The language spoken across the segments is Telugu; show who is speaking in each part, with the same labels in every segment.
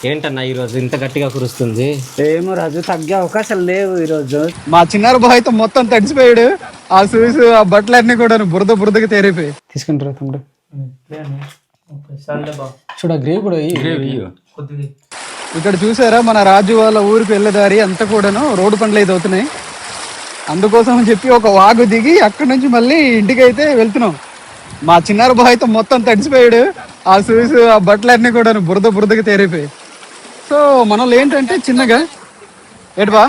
Speaker 1: ఏంటన్నా ఈరోజు ఇంత గట్టిగా కురుస్తుంది?
Speaker 2: ఏమో రాజు, తగ్గే అవకాశాలు లేవు ఈరోజు.
Speaker 3: మా చిన్నారు బాయ్ అయితే మొత్తం తడిసిపోయాడు. ఆ షూస్ ఆ బట్టలన్నీ కూడా బురదగా తేరిపోయి. తీసుకుంటారా తమ్ముడు? చూడ గ్రేవ్ కూడా ఇక్కడ చూసారా, మన రాజు వాళ్ళ ఊరికి వెళ్ళే దారి అంతా కూడాను రోడ్డు పనులు అయితే అవుతున్నాయి. అందుకోసం అని చెప్పి ఒక వాగు దిగి అక్కడి నుంచి మళ్ళీ ఇంటికి అయితే వెళ్తున్నాం. మా చిన్నారు బాయ్ అయితే మొత్తం తడిసిపోయాడు. ఆ షూస్ ఆ బట్టలన్నీ కూడా బురదగా తేరిపోయి. సో మనలో ఏంటంటే చిన్నగా ఏడుబా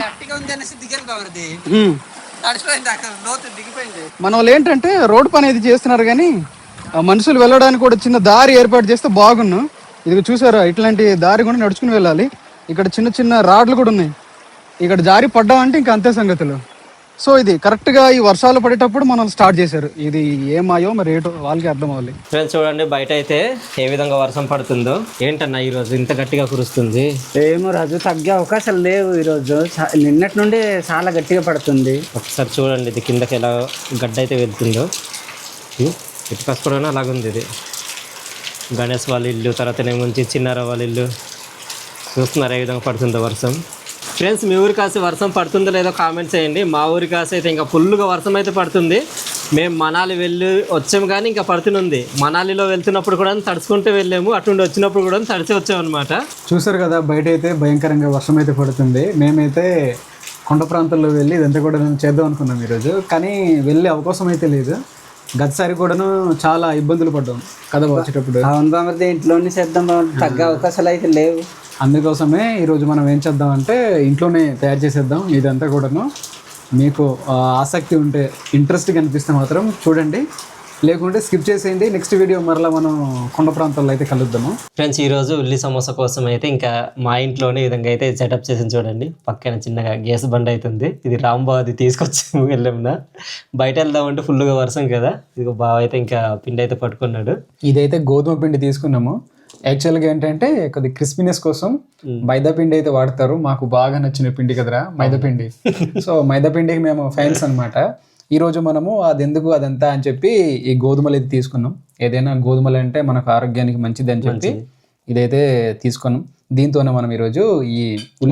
Speaker 3: మన వాళ్ళు ఏంటంటే రోడ్డు పని అయితే చేస్తున్నారు, కానీ మనుషులు వెళ్ళడానికి కూడా చిన్న దారి ఏర్పాటు చేస్తే బాగున్ను. ఇది చూసారా, ఇట్లాంటి దారి కూడా నడుచుకుని వెళ్ళాలి. ఇక్కడ చిన్న చిన్న రాడ్లు కూడా ఉన్నాయి. ఇక్కడ జారి పడ్డామంటే ఇంకా అంతే సంగతులు. సో ఇది కరెక్ట్గా ఈ వర్షాలు పడేటప్పుడు మనం స్టార్ట్ చేశారు. ఇది ఏమాయో మరి ఏటో వాళ్ళకి అర్థం అవ్వాలి.
Speaker 1: ఫ్రెండ్స్ చూడండి, బయట అయితే ఏ విధంగా వర్షం పడుతుందో. ఏంటన్నా ఈరోజు ఇంత గట్టిగా కురుస్తుంది?
Speaker 2: ఏమో రాజు, తగ్గే అవకాశాలు లేవు ఈరోజు. నిన్నటి నుండి చాలా గట్టిగా పడుతుంది.
Speaker 1: ఒకసారి చూడండి, ఇది కిందకి ఎలా గడ్డ అయితే వెళ్తుందో. ఇటు కసుకోవడం అలాగుంది. ఇది గణేష్ వాళ్ళ ఇల్లు, తర్వాత నుంచి చిన్నార వాళ్ళ ఇల్లు. చూస్తున్నారు ఏ విధంగా పడుతుందో వర్షం. ఫ్రెండ్స్, మీ ఊరి కాసి వర్షం పడుతుందో లేదో కామెంట్ చేయండి. మా ఊరి కాసి అయితే ఇంకా ఫుల్గా వర్షం అయితే పడుతుంది. మేము మనాలి వెళ్ళి వచ్చాము, కానీ ఇంకా పడుతుంది. మనాలిలో వెళ్తున్నప్పుడు కూడా తడుచుకుంటూ వెళ్ళాము, అటుండి వచ్చినప్పుడు కూడా తడిచి వచ్చామన్నమాట.
Speaker 3: చూసారు కదా, బయట అయితే భయంకరంగా వర్షం అయితే పడుతుంది. మేమైతే కొండ ప్రాంతాల్లో వెళ్ళి ఇదంతా కూడా చేద్దాం అనుకున్నాం ఈరోజు, కానీ వెళ్ళే అవకాశం అయితే లేదు. గతసారి కూడాను చాలా ఇబ్బందులు పడ్డాం కదా వచ్చేటప్పుడు.
Speaker 2: అవును బామర్ది, ఇంట్లోనే చేద్దాం బామర్ది, తగ్గే అవకాశాలు అయితే లేవు.
Speaker 3: అందుకోసమే ఈరోజు మనం ఏం చేద్దాం అంటే ఇంట్లోనే తయారు చేసేద్దాం. ఇదంతా కూడాను మీకు ఆసక్తి ఉంటే, ఇంట్రెస్ట్గా అనిపిస్తే మాత్రం చూడండి, లేకుంటే స్కిప్ చేసేయండి. నెక్స్ట్ వీడియో మరలా మనం కొండ ప్రాంతాల్లో అయితే కలుద్దాము.
Speaker 1: ఫ్రెండ్స్, ఈరోజు ఉల్లి సమోసా కోసం అయితే ఇంకా మా ఇంట్లోనే ఈ విధంగా అయితే సెటప్ చేసి చూడండి. పక్కన చిన్నగా గ్యాస్ బండ్ అవుతుంది. ఇది రాంబాది తీసుకొచ్చి వెళ్ళామునా. బయట వెళ్దామంటే ఫుల్గా వర్షం కదా. ఇది బావ అయితే ఇంకా పిండి అయితే పట్టుకున్నాడు.
Speaker 3: ఇదైతే గోధుమ పిండి తీసుకున్నాము. యాక్చువల్గా ఏంటంటే కొద్ది క్రిస్పీనెస్ కోసం మైదా పిండి అయితే వాడతారు. మాకు బాగా నచ్చిన పిండి కదరా మైదా పిండి. సో మైదా పిండికి మేము ఫ్యాన్స్ అనమాట. ఈరోజు మనము అది ఎందుకు అదంతా అని చెప్పి ఈ గోధుమలు అయితే తీసుకున్నాం. ఏదైనా గోధుమలు అంటే మనకు ఆరోగ్యానికి మంచిది అని చెప్పి ఇదైతే తీసుకున్నాం. దీంతోనే మనం ఈరోజు ఈ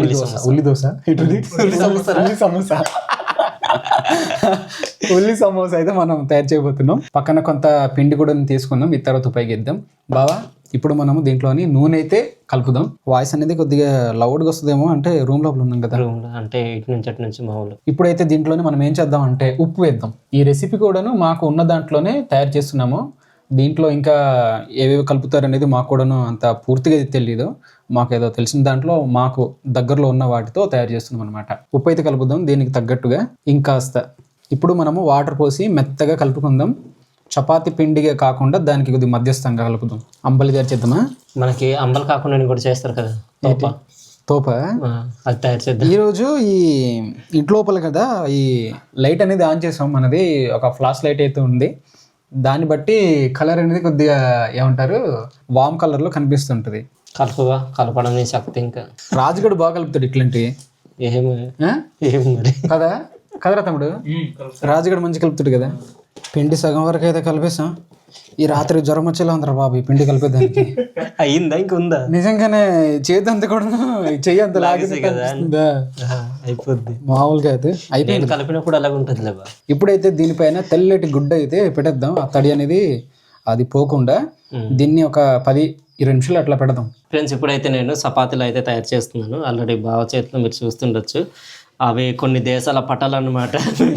Speaker 3: ఉల్లి సమోసా అయితే మనం తయారు చేయబోతున్నాం. పక్కన కొంత పిండి కూడా తీసుకున్నాం. ఈ తర్వాత ఉపయోగిద్దాం. బావా, ఇప్పుడు మనము దీంట్లోని నూనె అయితే కలుపుదాం. వాయిస్ అనేది కొద్దిగా లౌడ్గా వస్తుందేమో, అంటే రూమ్ లోపల ఉన్నాం కదా,
Speaker 1: అంటే ఇటు నుంచి అటు నుంచి మామూలు.
Speaker 3: ఇప్పుడైతే దీంట్లోనే మనం ఏం చేద్దాం అంటే ఉప్పు వేద్దాం. ఈ రెసిపీ కూడాను మాకు ఉన్న దాంట్లోనే తయారు చేస్తున్నాము. దీంట్లో ఇంకా ఏవేవి కలుపుతారు అనేది మాకు కూడాను అంత పూర్తిగా తెలియదు. మాకు ఏదో తెలిసిన దాంట్లో మాకు దగ్గరలో ఉన్న వాటితో తయారు చేస్తున్నాం అనమాట. ఉప్పు అయితే కలుపుదాం దీనికి తగ్గట్టుగా. ఇంకాస్త ఇప్పుడు మనము వాటర్ పోసి మెత్తగా కలుపుకుందాం. చపాతి పిండిగా కాకుండా దానికి కొద్దిగా మధ్యస్థంగా కలుపుదాం. అంబలి తయారు చేద్దామా?
Speaker 1: మనకి అంబలి కాకుండా కూడా చేస్తారు కదా,
Speaker 3: తోప,
Speaker 1: అది తయారు చేద్దాం.
Speaker 3: ఈరోజు ఈ ఇంట్లోపల కదా ఈ లైట్ అనేది ఆన్ చేసాం. మనది ఒక ఫ్లాష్ లైట్ అయితే ఉంది. దాన్ని బట్టి కలర్ అనేది కొద్దిగా ఏమంటారు వామ్ కలర్లో కనిపిస్తుంటుంది.
Speaker 1: కలపడం శక్తి. ఇంకా
Speaker 3: రాజుగడు బాగా కలుపుతాడు ఇట్లాంటివి.
Speaker 1: ఏం మరి
Speaker 3: కదరా తమ్ముడు, రాజుగడు మంచి కలుపుతాడు కదా. పిండి సగం వరకు అయితే కలిపేసాం. ఈ రాత్రి జ్వరం వచ్చేలా ఉందిరా బాబు ఈ పిండి కలిపేదానికి.
Speaker 1: అయిందా ఇంకా ఉందా?
Speaker 3: నిజంగానే చేతి అంత కూడా చెయ్యి అంత లాగిందా
Speaker 1: అయిపోద్ది.
Speaker 3: మామూలుగా అయితే అయిపోయింది.
Speaker 1: కలిపినప్పుడు అలాగ ఉంటుంది.
Speaker 3: ఇప్పుడైతే దీనిపైన తెల్లటి గుడ్డ అయితే పెట్టేద్దాం. ఆ తడి అనేది అది పోకుండా దీన్ని ఒక 10-20 నిమిషాలు అట్లా పెడదాం.
Speaker 1: ఫ్రెండ్స్, ఇప్పుడైతే నేను చపాతీలు అయితే తయారు చేస్తున్నాను. ఆల్రెడీ బావ చేతిలో మీరు చూస్తుండొచ్చు. అవి కొన్ని దేశాల పటాలు అన్నమాట.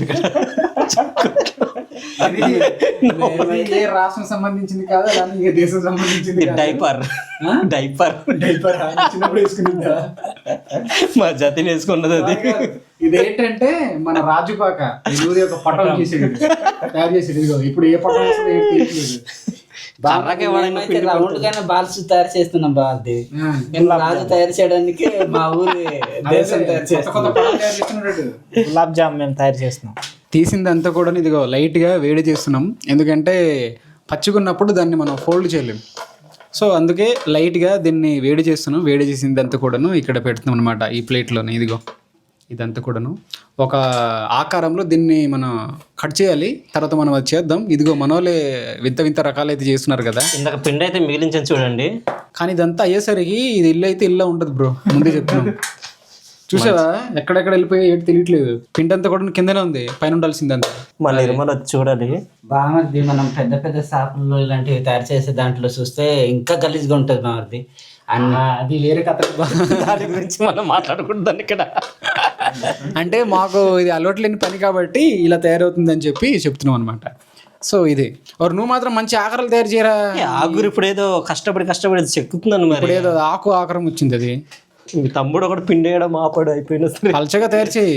Speaker 3: రాష్ట్రం సంబంధించింది కాదు, దేశం సంబంధించింది.
Speaker 1: డైపర్ మా జతిని వేసుకున్నది అది.
Speaker 3: ఇదేంటంటే మన రాజుపాక ఒక పటం చేసేది తయారు చేసేది. ఇప్పుడు ఏ పటం
Speaker 2: రౌండ్ గానే బాల్స్ తయారు చేస్తున్నాం. బాగుంది. రాజు తయారు చేయడానికి మా ఊరి దేశం తయారు చేస్తున్నాం. గులాబ్ జామ్ మేము తయారు చేస్తున్నాం.
Speaker 3: తీసిందంతా కూడా ఇదిగో లైట్గా వేడి చేస్తున్నాం. ఎందుకంటే పచ్చిగున్నప్పుడు దాన్ని మనం ఫోల్డ్ చేయలేం. సో అందుకే లైట్గా దీన్ని వేడి చేస్తున్నాం. వేడి చేసిందంతా కూడాను ఇక్కడ పెడుతున్నాం అనమాట. ఈ ప్లేట్లోనే ఇదిగో ఇదంతా కూడాను ఒక ఆకారంలో దీన్ని మనం కట్ చేయాలి. తర్వాత మనం అది చేద్దాం. ఇదిగో మనోలే వింత రకాలైతే చేస్తున్నారు కదా.
Speaker 1: ఇందాక పిండి అయితే మిగిలించని చూడండి.
Speaker 3: కానీ ఇదంతా అయ్యేసరికి ఇది ఇల్లు అయితే ఇల్లు ఉంటుంది బ్రో, ముందే చెప్తున్నాం. చూసావా ఎక్కడెక్కడ వెళ్ళిపోయి ఏంటి తెలియట్లేదు. పిండి అంతా కూడా కిందనే ఉంది, పైన ఉండాల్సిందంతా.
Speaker 1: మళ్ళీ నిర్మల్ వచ్చి చూడాలి.
Speaker 2: బామర్ది మనం పెద్ద పెద్ద షాపుల్లో ఇలాంటివి తయారు చేసే దాంట్లో చూస్తే ఇంకా గలీజ్గా ఉంటుంది బామర్ది.
Speaker 3: అది వేరే కథ.
Speaker 1: దాని గురించి మనం మాట్లాడుకుంటాం ఇక్కడ.
Speaker 3: అంటే మాకు ఇది అలవాటు లేని పని కాబట్టి ఇలా తయారవుతుందని చెప్పి చెప్తున్నాం అనమాట. సో ఇది నువ్వు మాత్రం మంచి ఆకారాలు తయారు చేయరా.
Speaker 1: ఆగురు ఇప్పుడు ఏదో కష్టపడి చెక్కుతున్నాను మరి.
Speaker 3: ఇప్పుడు ఏదో ఆకారం వచ్చింది. అది
Speaker 1: మీ తమ్ముడు ఒకటి పిండి వేయడం ఆపాడు, అయిపోయినా సరే
Speaker 3: పలచగా తయారు చేయి.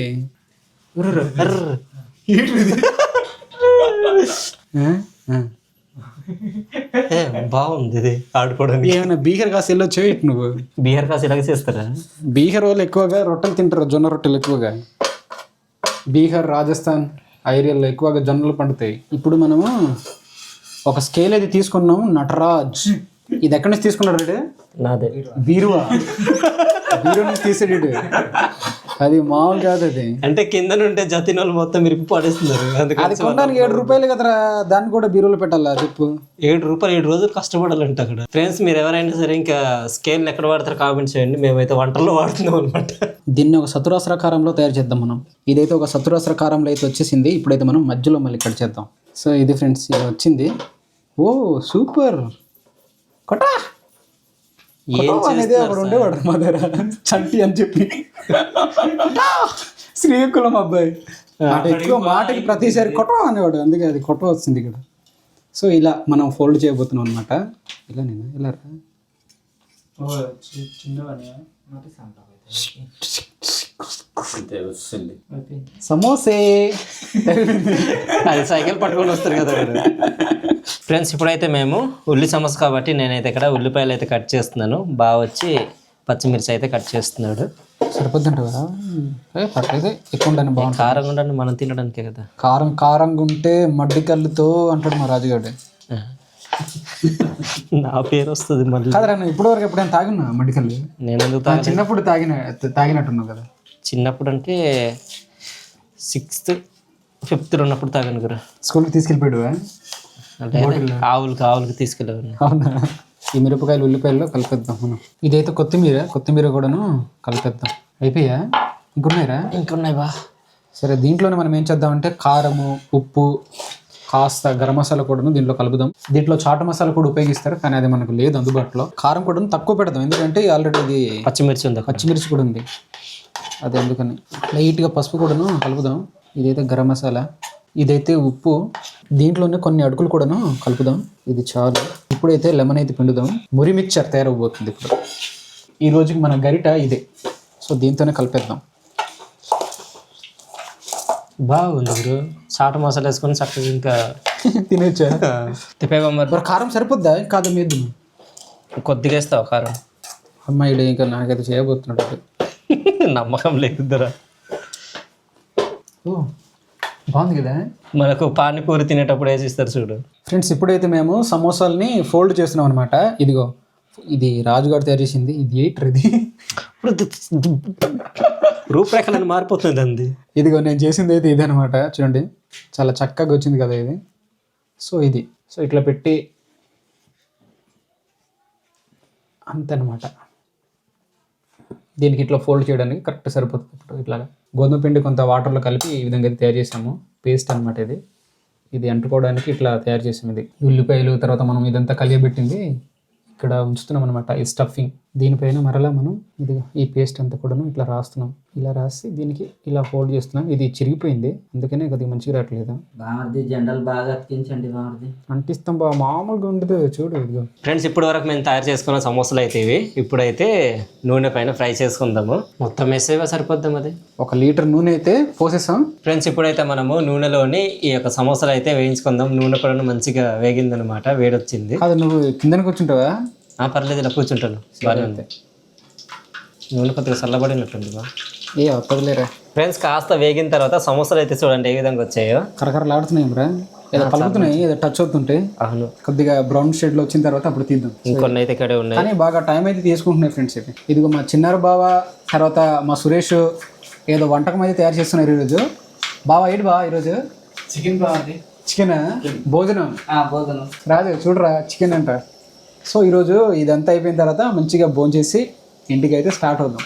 Speaker 1: బాగుంది ఇది ఆడుకోవడానికి.
Speaker 3: ఏమైనా బీహార్ కాసి వెళ్ళొచ్చు ఇటు నువ్వు.
Speaker 1: బీహార్ కాసి ఇలాగ చేస్తారా?
Speaker 3: బీహార్ వాళ్ళు ఎక్కువగా రొట్టెలు తింటారు, జొన్న రొట్టెలు ఎక్కువగా. బీహార్, రాజస్థాన్ ఆ ఏరియాలో ఎక్కువగా జొన్నలు పండుతాయి. ఇప్పుడు మనము ఒక స్కేల్ అయితే తీసుకున్నాం, నటరాజ్. ఇది ఎక్కడి నుంచి తీసుకున్నాడు రేడు?
Speaker 1: నాదే.
Speaker 3: బీరువా నుంచి తీసాడు. అది మామూలు కాదు. అది
Speaker 1: అంటే కింద నుంటే జతిన్ వాళ్ళు మొత్తం మిరిపి పడేస్తున్నారు.
Speaker 3: అది కొనడానికి 7 రూపాయలు కదరా, దాన్ని కూడా బీరువాలో పెట్టాలా చెప్పు.
Speaker 1: 7 రూపాయలు 7 రోజులు కష్టపడాలంట అక్కడ. ఫ్రెండ్స్ మీరు ఎవరైనా సరే ఇంకా స్కేల్ ఎక్కడ వాడతారు కామెంట్ చేయండి. మేమైతే వంటల్లో వాడుతున్నాం అనమాట.
Speaker 3: దీన్ని ఒక చతురాస్రకారంలో తయారు చేద్దాం మనం. ఇదైతే ఒక చతురాస్రకారంలో అయితే వచ్చేసింది. ఇప్పుడైతే మనం మధ్యలో మళ్ళీ కట్ చేద్దాం. సో ఇది ఫ్రెండ్స్ ఇలా వచ్చింది. ఓ సూపర్. కొట్టా అనేది అక్కడ ఉండేవాడు మా దగ్గర, చంటి అని చెప్పి. శ్రీకులం అబ్బాయి అంటే ఎక్కువ మాటకి ప్రతిసారి కొట్ట అనేవాడు, అందుకే అది కొట్ట వచ్చింది ఇక్కడ. సో ఇలా మనం ఫోల్డ్ చేయబోతున్నాం అనమాట. ఇలా నేను ఇలా సమోసే
Speaker 1: అది సైకిల్ పట్టుకొని వస్తారు కదా ఫ్రెండ్స్. ఇప్పుడైతే మేము ఉల్లి సమోసా కాబట్టి నేనైతే ఇక్కడ ఉల్లిపాయలు అయితే కట్ చేస్తున్నాను. బాగా వచ్చి పచ్చిమిర్చి అయితే కట్ చేస్తున్నాడు.
Speaker 3: సరిపోద్దంటావా? పట్లయితే ఎక్కువ ఉండాలి, బాగుంటుంది.
Speaker 1: కారంగా ఉండండి మనం తినడానికే కదా.
Speaker 3: కారంగా ఉంటే మడ్డి కళ్ళుతో అంటాడు మా రాజుగాడు.
Speaker 1: నా పేరు వస్తుంది మళ్ళీ.
Speaker 3: కాదరా, ఇప్పుడు వరకు ఎప్పుడైనా తాగినా మడ్డి కళ్ళు?
Speaker 1: నేను ఎందుకు
Speaker 3: చిన్నప్పుడు తాగినట్టున్నావు కదా.
Speaker 1: చిన్నప్పుడు అంటే 6th 5th ఉన్నప్పుడు తాగాను కదా.
Speaker 3: స్కూల్కి తీసుకెళ్ళిపోయాడు
Speaker 1: అంటే ఆవులకి తీసుకెళ్ళాను.
Speaker 3: అవునా? ఈ మిరపకాయలు ఉల్లిపాయల్లో కలిపేద్దాం మనం. ఇదైతే కొత్తిమీర కూడాను కలిపేద్దాం. అయిపోయా? ఇంకున్నాయి బా. సరే, దీంట్లోనే మనం ఏం చేద్దామంటే కారము, ఉప్పు, కాస్త గరం మసాలా కూడాను దీంట్లో కలుపుదాం. దీంట్లో చాట్ మసాలా కూడా ఉపయోగిస్తారు, కానీ అది మనకు లేదు అందుబాటులో. కారం కూడా తక్కువ పెడదాం, ఎందుకంటే ఆల్రెడీ ఇది పచ్చిమిర్చి కూడా ఉంది. అది అందుకని లైట్గా పసుపు కూడాను కలుపుదాం. ఇదైతే గరం మసాలా, ఇదైతే ఉప్పు. దీంట్లోనే కొన్ని అడుగులు కూడాను కలుపుదాం. ఇది చాలు. ఇప్పుడైతే లెమన్ అయితే పిండుదాం. మురి మిక్చర్ తయారవబోతుంది ఇప్పుడు. ఈ రోజుకి మన గరిట ఇదే. సో దీంతోనే కలిపేద్దాం.
Speaker 1: బాగుంది బ్రో. చాట్ మసాలా వేసుకొని చక్కగా ఇంకా
Speaker 3: తినేచ్చా?
Speaker 1: తిప్పేవా మరి.
Speaker 3: కారం సరిపోద్దా? కాదు మీద
Speaker 1: కొద్దిగా వేస్తావు కారం.
Speaker 3: అమ్మాయిడు ఇంకా నాకైతే చేయబోతున్నాడు.
Speaker 1: నమ్మకం లేదురా.
Speaker 3: ఓ బాగుంది కదా.
Speaker 1: మనకు పానీపూరి తినేటప్పుడు వేసిస్తారు చూడు.
Speaker 3: ఫ్రెండ్స్, ఇప్పుడైతే మేము సమోసాలని ఫోల్డ్ చేస్తున్నాం అనమాట. ఇదిగో ఇది రాజుగారు తయారు చేసింది. ఇది ఏంటర్ ఇది
Speaker 1: రూపురేఖలను మారిపోతుంది అంది.
Speaker 3: ఇదిగో నేను చేసింది అయితే ఇది అనమాట. చూడండి చాలా చక్కగా వచ్చింది కదా ఇది. సో ఇది ఇట్లా పెట్టి అంతనమాట. దీనికి ఇట్లా ఫోల్డ్ చేయడానికి కరెక్ట్ సరిపోతుంది. ఇప్పుడు ఇట్లాగా గోధుమ పిండి కొంత వాటర్లో కలిపి ఈ విధంగా అయితే తయారు చేసాము. పేస్ట్ అనమాట ఇది అంటుకోవడానికి ఇట్లా తయారు చేసాము. ఇది ఉల్లిపాయలు తర్వాత మనం ఇదంతా కలియబెట్టింది ఇక్కడ ఉంచుతున్నాం అనమాట. ఈ స్టఫింగ్ దీనిపైన మరలా మనం ఇదిగా ఈ పేస్ట్ అంతా కూడాను ఇట్లా రాస్తున్నాం. ఇలా రాసి దీనికి ఇలా ఫోల్డ్ చేస్తున్నాం. ఇది చిరిగిపోయింది, అందుకనే కొద్దిగా మంచిగా రావట్లేదు.
Speaker 2: బామర్ది జెండాలు బాగా అతికించండి బామర్ది.
Speaker 3: అంటిస్తాం బా, మామూలుగా ఉండదు చూడు. ఇదిగో
Speaker 1: ఫ్రెండ్స్, ఇప్పటి వరకు మేము తయారు చేసుకున్న సమోసాలు అయితే ఇవి. ఇప్పుడైతే నూనె పైన ఫ్రై చేసుకుందాము. మొత్తం వేసేవా సరిపోద్దాం. అది
Speaker 3: 1 లీటర్ నూనె అయితే పోసేసాం.
Speaker 1: ఫ్రెండ్స్, ఇప్పుడైతే మనము నూనెలోని ఈ యొక్క సమోసాలు అయితే వేయించుకుందాం. నూనె కూడా మంచిగా వేగిందనమాట, వేడొచ్చింది.
Speaker 3: అది నువ్వు కిందన కూర్చుంటావా?
Speaker 1: పర్లేదు, ఇలా కూర్చుంటాను. బాగానే ఉంది. నూనె కొద్దిగా చల్లబడినట్టుంది బా.
Speaker 3: వద్దలేరా.
Speaker 1: ఫ్రెండ్స్, కాస్త వేగిన తర్వాత సమోసాలు అయితే చూడండి ఏ విధంగా వచ్చాయో.
Speaker 3: కరకరలాడుతున్నాయి రా, ఏదో కలుగుతున్నాయి, ఏదో టచ్ అవుతుంటే.
Speaker 1: అవును,
Speaker 3: కొద్దిగా బ్రౌన్ షేడ్లో వచ్చిన తర్వాత అప్పుడు తీద్దాం.
Speaker 1: ఇంకొన్ని అయితే ఇక్కడే ఉన్నాయి, కానీ
Speaker 3: బాగా టైం అయితే తీసుకుంటున్నాయి ఫ్రెండ్స్. అయితే ఇదిగో మా చిన్నారు బావ తర్వాత మా సురేష్ ఏదో వంటకం అయితే తయారు చేస్తున్నారు ఈరోజు. బావా ఏంటి బావా ఈరోజు?
Speaker 2: చికెన్ బాగుంది.
Speaker 3: చికెన్ భోజనం.
Speaker 2: భోజనం
Speaker 3: రాజు చూడరా, చికెన్ అంట. సో ఈరోజు ఇదంతా అయిపోయిన తర్వాత మంచిగా భోంచేసి ఇంటికి అయితే స్టార్ట్ అవుదాం.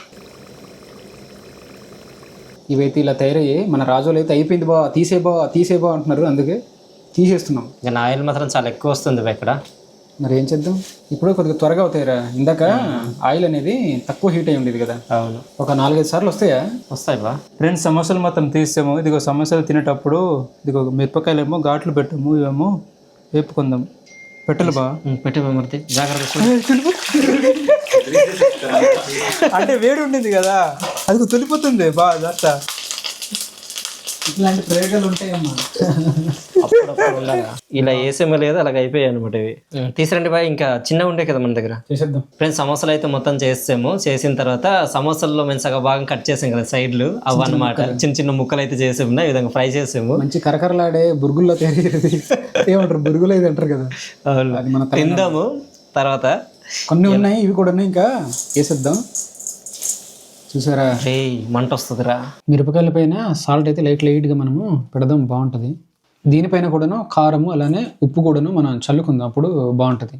Speaker 3: ఇవైతే ఇలా తయారయ్యాయి. మన రాజులు అయితే అయిపోయింది బా తీసేబా అంటున్నారు, అందుకే తీసేస్తున్నాం.
Speaker 1: ఇంకా నా ఆయిల్ మాత్రం చాలా ఎక్కువ వస్తుంది బా ఇక్కడ.
Speaker 3: మరి ఏం చేద్దాం, ఇప్పుడు కొద్దిగా త్వరగా అవుతాయిరా. ఇందాక ఆయిల్ అనేది తక్కువ హీట్ అయి ఉండేది కదా.
Speaker 1: అవును,
Speaker 3: ఒక 4-5 సార్లు
Speaker 1: వస్తాయి బా.
Speaker 4: ఫ్రెండ్స్ సమోసాలు మొత్తం తీసాము. ఇదిగో సమోసాలు తినేటప్పుడు ఇదిగో మిరపకాయలు ఏమో ఘాట్లు పెట్టాము, ఇవేమో వేపుకుందాం. పెట్టలు బా,
Speaker 1: పెట్టి మూర్తి జాగ్రత్త.
Speaker 4: అంటే వేడి ఉండింది కదా, అది తొలిపోతుంది బా. అదంతా
Speaker 3: ఇట్లాంటి ప్రయోగాలు ఉంటాయమ్మా.
Speaker 1: ఇలా వేసేమో లేదు, అలాగ అయిపోయాయి అనమాట ఇవి. తీసిరండి బాయ్, ఇంకా చిన్నగా ఉండే కదా మన దగ్గర.
Speaker 3: చేసేద్దాం
Speaker 1: ఫ్రెండ్స్, సమోసాలు అయితే మొత్తం చేసాము. చేసిన తర్వాత సమోసాల్లో మేము సగం భాగం కట్ చేసాం కదా సైడ్లు, అవి అన్నమాట చిన్న చిన్న ముక్కలు అయితే చేసాము. ఈ విధంగా ఫ్రై చేసాము.
Speaker 3: మంచి కరకరలాడే బురుగుల్లో తయారయ్యేది ఏమంటారు, బురుగులు అయితే అంటారు కదా. అది మన
Speaker 1: తిందాము తర్వాత.
Speaker 3: కొన్ని ఉన్నాయి, ఇవి కూడా ఉన్నాయి, ఇంకా వేసేద్దాం. చూసారా,
Speaker 1: మంట వస్తుందిరా.
Speaker 3: మిరపకాయల పైన సాల్ట్ అయితే లైట్గా మనము పెడదాం, బాగుంటుంది. దీనిపైన కూడాను కారము అలానే ఉప్పు కూడాను మనం చల్లుకుందాం, అప్పుడు బాగుంటుంది.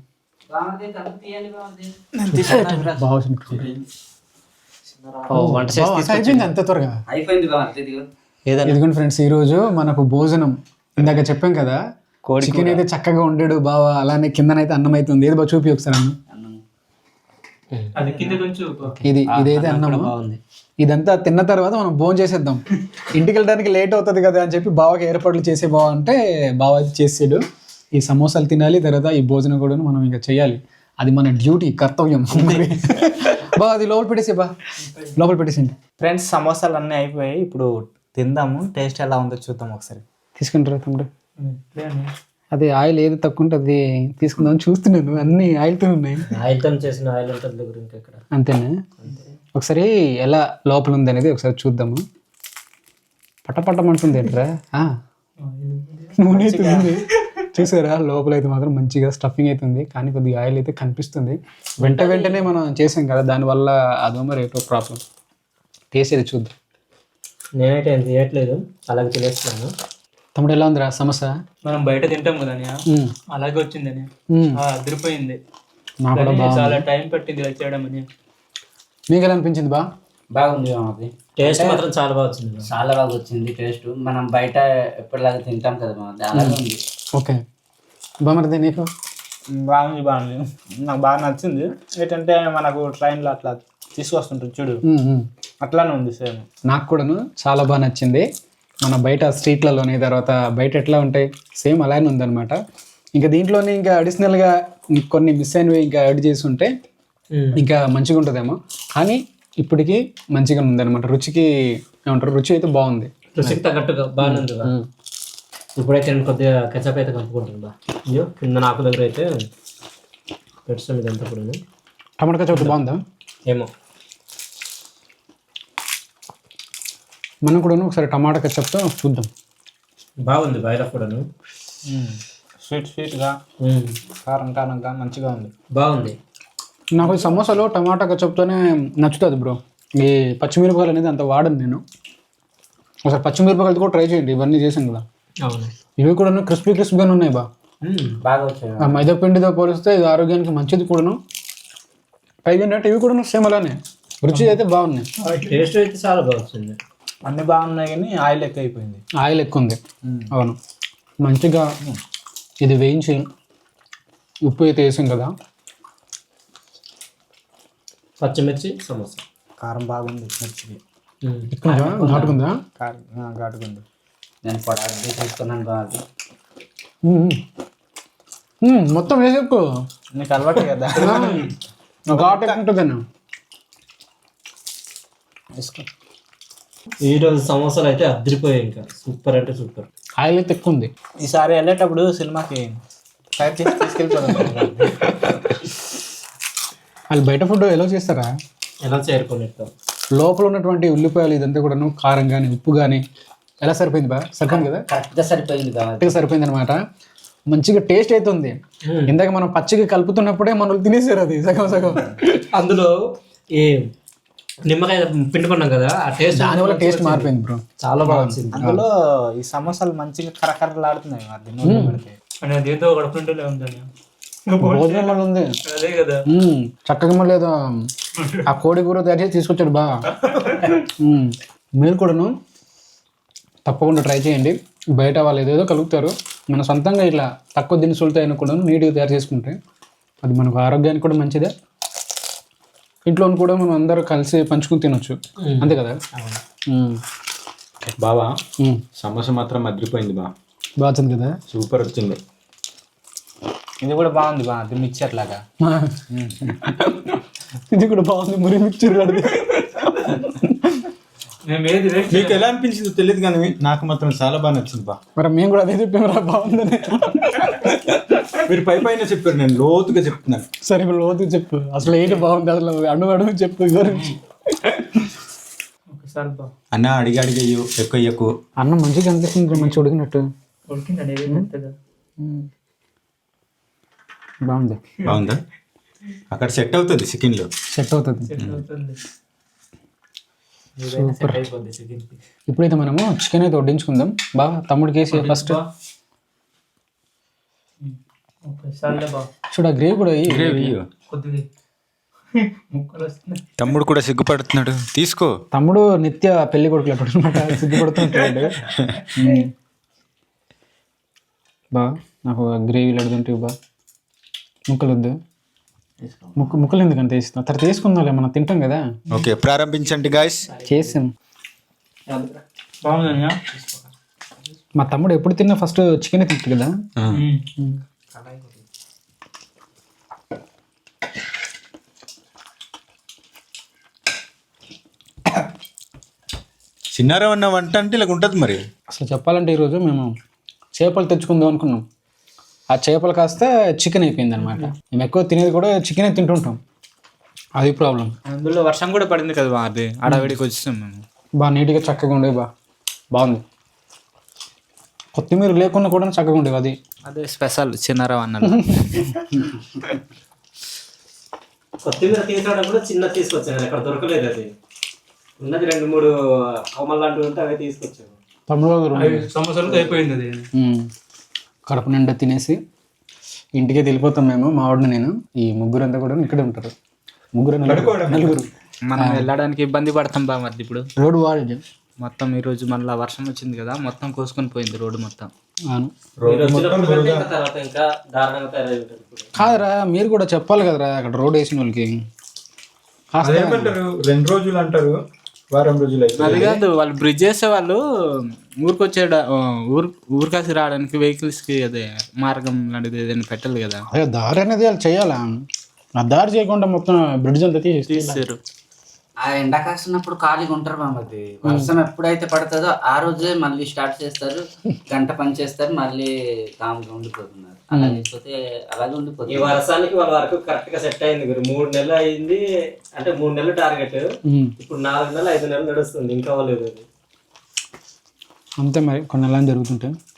Speaker 3: అయిపోయింది అంత త్వరగా. ఇదిగోండి ఫ్రెండ్స్, ఈరోజు మనకు భోజనం ఇందాక చెప్పాం కదా, చికెన్ అయితే చక్కగా వండాడు బావా. అలానే కిందనైతే అన్నం అయితే ఉంది. ఏది బాగా చూపి ఒకసారి అన్నం. ఇదైతే అన్నం. ఇదంతా తిన్న తర్వాత మనం భోజనం చేసేద్దాం. ఇంటికి వెళ్ళడానికి లేట్ అవుతుంది కదా అని చెప్పి బావకి ఏర్పాట్లు చేసే బావ అంటే బావ అయితే చేసాడు. ఈ సమోసాలు తినాలి, తర్వాత ఈ భోజనం కూడా మనం ఇంకా చేయాలి. అది మన డ్యూటీ, కర్తవ్యం. బా అది లోపల పెట్టేసి బా, లోపల పెట్టేసింది.
Speaker 2: ఫ్రెండ్స్, సమోసాలు అన్నీ అయిపోయాయి. ఇప్పుడు తిందాము, టేస్ట్ ఎలా ఉందో చూద్దాం ఒకసారి.
Speaker 3: తీసుకుంటారా తమ్ముడు? అదే ఆయిల్ ఏది తక్కువ ఉంటే అది తీసుకుందాం చూస్తున్నాను. అన్ని ఆయిల్తో ఉన్నాయి.
Speaker 1: ఆయిల్తో చేసిన ఆయిల్ దగ్గర ఇంకా ఇక్కడ
Speaker 3: అంతేనా? ఒకసారి ఎలా లోపల ఉంది అనేది ఒకసారి చూద్దాము. పట్టమంటుంది ఏంట్రా, నూనె అయితే ఉంది చూసారా. లోపల అయితే మాత్రం మంచిగా స్టఫింగ్ అవుతుంది, కానీ కొద్దిగా ఆయిల్ అయితే కనిపిస్తుంది. వెంటనే మనం చేసాం కదా, దానివల్ల అదో మరి ఏటో ప్రాబ్లం. టేస్ట్ అయితే చూద్దాం.
Speaker 1: నేనైతే ఏం చేయట్లేదు, అలాగే తినేస్తున్నాను.
Speaker 3: తమ్ముడు ఎలా ఉందిరా సమోసా?
Speaker 4: మనం బయట తింటాం కదా, అలాగే వచ్చిందని అదిరిపోయింది. చాలా టైం పట్టింది ఇలా చేయడం అని.
Speaker 3: మీకు ఎలా అనిపించింది బా?
Speaker 2: బాగుంది మాది.
Speaker 1: టేస్ట్ మాత్రం చాలా బాగా వచ్చింది.
Speaker 2: చాలా బాగా వచ్చింది టేస్ట్. మనం బయట ఎప్పటిలాగా తింటాం కదా మాది, అలాగే ఉంది.
Speaker 3: ఓకే బామర్ది, నీకు?
Speaker 4: బాగుంది. నాకు బాగా నచ్చింది. ఏంటంటే మనకు ట్రైన్లో అట్లా తీసుకొస్తుంటారు చూడు, అట్లానే ఉంది సేమ్.
Speaker 3: నాకు కూడాను చాలా బాగా నచ్చింది. మన బయట స్ట్రీట్లలోని తర్వాత బయట ఎట్లా ఉంటాయి సేమ్ అలానే ఉందన్నమాట. ఇంకా దీంట్లోనే ఇంకా అడిషనల్గా కొన్ని మిస్ అయినవి ఇంకా యాడ్ చేసి ఉంటే ఇంకా మంచిగా ఉంటుందేమో, కానీ ఇప్పటికీ మంచిగా ఉందన్నమాట. రుచికి ఏమంటారు, రుచి అయితే బాగుంది.
Speaker 1: రుచికి తగ్గట్టుగా బాగానే ఉంది. ఇప్పుడైతే నేను కొద్దిగా కెచప్ అయితే కలుపుకుంటాను బా. అయ్యో, కింద నాకు దగ్గర అయితే పెట్టుతాం ఇదంతా కూడా.
Speaker 3: టమాటా కెచప్ బాగుందా?
Speaker 1: ఏమో,
Speaker 3: మనం కూడా ఒకసారి టమాటా కెచప్తో చూద్దాం.
Speaker 1: బాగుంది బయట కూడాను.
Speaker 4: స్వీట్గా కారంగా మంచిగా ఉంది,
Speaker 1: బాగుంది.
Speaker 3: నాకు ఈ సమోసాలో టమాటా కెచప్తోనే నచ్చుతుంది బ్రో. ఈ పచ్చిమిరపకాయలు అనేది అంత వాడను నేను. ఒకసారి పచ్చిమిరపకాయలతో కూడా ట్రై చేయండి. ఇవన్నీ చేసాం కదా.
Speaker 1: అవును,
Speaker 3: ఇవి కూడా క్రిస్పీగానే ఉన్నాయి బా.
Speaker 2: బాగా వచ్చాయి.
Speaker 3: ఆ మైదా పిండితో పోలిస్తే ఇది ఆరోగ్యానికి మంచిది కూడాను. పైగా ఇవి కూడా సేమ్ అలానే రుచి అయితే బాగున్నాయి.
Speaker 1: టేస్ట్ అయితే చాలా బాగా వచ్చింది.
Speaker 4: అన్ని బాగున్నాయి, కానీ ఆయిల్ ఎక్కువ అయిపోయింది.
Speaker 3: ఆయిల్ ఎక్కువ ఉంది. అవును, మంచిగా ఇది వేయించి ఉప్పు అయితే వేసాం కదా.
Speaker 1: పచ్చిమిర్చి సమోసా
Speaker 4: కారం బాగుంది, మిర్చికి
Speaker 3: ఘాటుకుందా?
Speaker 4: ఘాటుకుంది.
Speaker 2: నేను పొడాలి తీసుకున్నాను బాగా.
Speaker 3: మొత్తం వేసేకు
Speaker 4: నీకు అలవాటు కదా,
Speaker 3: ఘాటు ఎక్కువ ఉంటుందన్న.
Speaker 4: వేసుకో.
Speaker 1: ఈరోజు సమోసాలు అయితే అదిరిపోయాయి, ఇంకా సూపర్ అంటే సూపర్.
Speaker 3: ఆయిల్ అయితే ఎక్కువ ఉంది.
Speaker 4: ఈసారి వెళ్ళేటప్పుడు సినిమాకి టైప్ చేసి తీసుకెళ్ళిపోదాం.
Speaker 3: వాళ్ళు బయట ఫుడ్ ఎలా చేస్తారా?
Speaker 1: ఎలా చేరుకునేట్టు
Speaker 3: లోపల ఉన్నటువంటి ఉల్లిపాయలు ఇదంతా కూడాను కారం కానీ ఉప్పు కానీ ఎలా సరిపోయింది బా? సరిపోయింది కదా,
Speaker 2: కరెక్ట్గా సరిపోయింది కదా,
Speaker 3: కరెక్ట్గా సరిపోయింది అనమాట. మంచిగా టేస్ట్ అయితే ఉంది. ఇందాక మనం పచ్చిగా కలుపుతున్నప్పుడే మనల్ని తినేసారు అది సగం. అందులో
Speaker 1: ఈ నిమ్మకాయ పిండుకున్నాం కదా, ఆ టేస్ట్
Speaker 3: దానివల్ల టేస్ట్ మారిపోయింది బ్రో,
Speaker 1: చాలా బాగా వచ్చింది.
Speaker 4: అందులో ఈ సమోసాలు మంచిగా కరకరలాడుతున్నాయి. అది నూనె పెడితే
Speaker 5: దీంతో గడుపుంటే ఉందని
Speaker 3: భోజనం మళ్ళీ ఉంది.
Speaker 4: అదే కదా.
Speaker 3: చక్కగా మళ్ళీ ఏదో ఆ కోడి కూర తయారు చేసి తీసుకొచ్చాడు బా. మీరు కూడాను తప్పకుండా ట్రై చేయండి. బయట వాళ్ళు ఏదేదో కలుగుతారు, మన సొంతంగా ఇట్లా తక్కువ దినుసులతో అయినా కూడా నీట్గా తయారు చేసుకుంటే అది మనకు ఆరోగ్యానికి కూడా మంచిదే. ఇంట్లో కూడా మనం అందరూ కలిసి పంచుకుని తినొచ్చు, అంతే కదా.
Speaker 5: బావా సమోసా మాత్రం అదిరిపోయింది బా,
Speaker 3: బాగుంది కదా,
Speaker 5: సూపర్ వచ్చింది.
Speaker 2: ఇది కూడా బాగుంది బా, అది మిక్చర్ లాగా.
Speaker 3: ఇది కూడా బాగుంది, మరి మిక్చర్ కడితే.
Speaker 5: మీకు ఎలా అనిపించిందో తెలియదు కానీ నాకు మాత్రం చాలా బాగా నచ్చింది బా.
Speaker 3: మరి మేము కూడా అదే చెప్పాము బాగుందని.
Speaker 5: మీరు పై పైన చెప్పారు, నేను లోతుగా చెప్తున్నాను.
Speaker 3: సరే ఇప్పుడు లోతు చెప్పు, అసలు ఏంటి బాగుంది, అసలు అడుగు చెప్పు గురించి.
Speaker 5: అన్న అడిగి అడిగయ్యు ఎక్కువ ఎక్కువ
Speaker 3: అన్నం మంచిగా కనిపిస్తుంది, మంచి ఉడికినట్టు బాగుంది.
Speaker 5: బాగుందా? అక్కడ సెట్ అవుతుంది చికెన్ లో,
Speaker 3: సెట్ అవుతుంది. సూపర్. ఇప్పుడైతే మనము చికెన్ అయితే వడ్డించుకుందాం. బాగా తమ్ముడికి వేసి ఫస్ట్ చూడ గ్రేవీ కూడా
Speaker 5: తమ్ముడు కూడా సిగ్గుపడుతున్నాడు, తీసుకో.
Speaker 3: తమ్ముడు నిత్య పెళ్లి కొడుకులు అనమాట, సిగ్గుపడుతుంటాడు. బా నాకు గ్రేవీలు అడుగుతుంటే బా, ముక్కలు వద్దు, ముక్కలు ఎందుకంటే వేస్తాం, తర్వాత వేసుకుందాం, మనం తింటాం కదా.
Speaker 5: ఓకే ప్రారంభించండి గాయస్.
Speaker 3: చేసాం. మా తమ్ముడు ఎప్పుడు తిన్నా ఫస్ట్ చికెన్ తింటాడు కదా.
Speaker 5: చిన్నారం అన్న వంట అంటే ఇలా ఉంటుంది మరి.
Speaker 3: అసలు చెప్పాలంటే ఈరోజు మేము చేపలు తెచ్చుకుందాం అనుకున్నాం, ఆ చేపలు కాస్త చికెన్ అయిపోయింది అనమాట. మేము ఎక్కువ తినేది కూడా చికెనే తింటుంటాం, అది ప్రాబ్లం.
Speaker 2: అందులో వర్షం కూడా పడింది కదా బా, అది అడవిడికి వచ్చాం మేము.
Speaker 3: బాగా నీట్గా చక్కగా ఉండేవి, బాగుంది. కొత్తిమీర లేకుండా కూడా చక్కగా ఉండేవి, అది
Speaker 2: అదే స్పెషల్ చిన్నారావు అన్నది.
Speaker 1: కొత్తిమీర తీసుకోవడం కూడా చిన్న తీసుకొచ్చాను, అక్కడ దొరకలేదు. అది ఉన్నది 2-3 కొమ్మలు లాంటివి ఉంటే అవి తీసుకొచ్చాను.
Speaker 4: సమోసాలు అయిపోయింది అది.
Speaker 3: కడుపు నిండా తినేసి ఇంటికి వెళ్ళిపోతాం మేము, మా వాడిని నేను. ఈ ముగ్గురు అంతా కూడా ఇక్కడే ఉంటారు, నలుగురు.
Speaker 2: మనం వెళ్ళడానికి ఇబ్బంది పడతాం బా. మరి ఇప్పుడు
Speaker 3: రోడ్డు వాడి
Speaker 2: మొత్తం ఈరోజు మళ్ళీ వర్షం వచ్చింది కదా, మొత్తం కోసుకొని పోయింది రోడ్డు మొత్తం.
Speaker 3: కాదరా, మీరు కూడా చెప్పాలి కదరా అక్కడ రోడ్ వేసిన వాళ్ళకి.
Speaker 5: అదేమంటారు 2 రోజులు అంటారు, వారం రోజులు అయితే.
Speaker 2: అది కాదు, వాళ్ళు బ్రిడ్జ్ చేసే వాళ్ళు ఊరికొచ్చే ఊరికాసి రావడానికి వెహికల్స్కి అదే మార్గం లాంటిది ఏదైనా పెట్టాలి కదా.
Speaker 3: అదే దారి అనేది వాళ్ళు చేయాలా, ఆ దారి చేయకుండా మొత్తం బ్రిడ్జ్ అంతా
Speaker 2: తీసారు.
Speaker 6: ఆ ఎండ కాస్తున్నప్పుడు ఖాళీగా ఉంటారు మామది. వర్షం ఎప్పుడైతే పడుతుందో ఆ రోజే మళ్ళీ స్టార్ట్ చేస్తారు, గంట పని చేస్తారు, మళ్ళీ కామ్గా ఉండిపోతున్నారు. అలా లేకపోతే అలాగే ఉండిపోతుంది.
Speaker 1: ఈ వర్షానికి వాళ్ళ వరకు కరెక్ట్ గా సెట్ అయింది. 3 నెలలు అయింది అంటే 3 నెలలు టార్గెట్, ఇప్పుడు 4 నెలలు 5 నెలలు నడుస్తుంది, ఇంకా అవ్వలేదు.
Speaker 3: అంతే మరి కొన్ని నెలలు జరుగుతుంటాయి.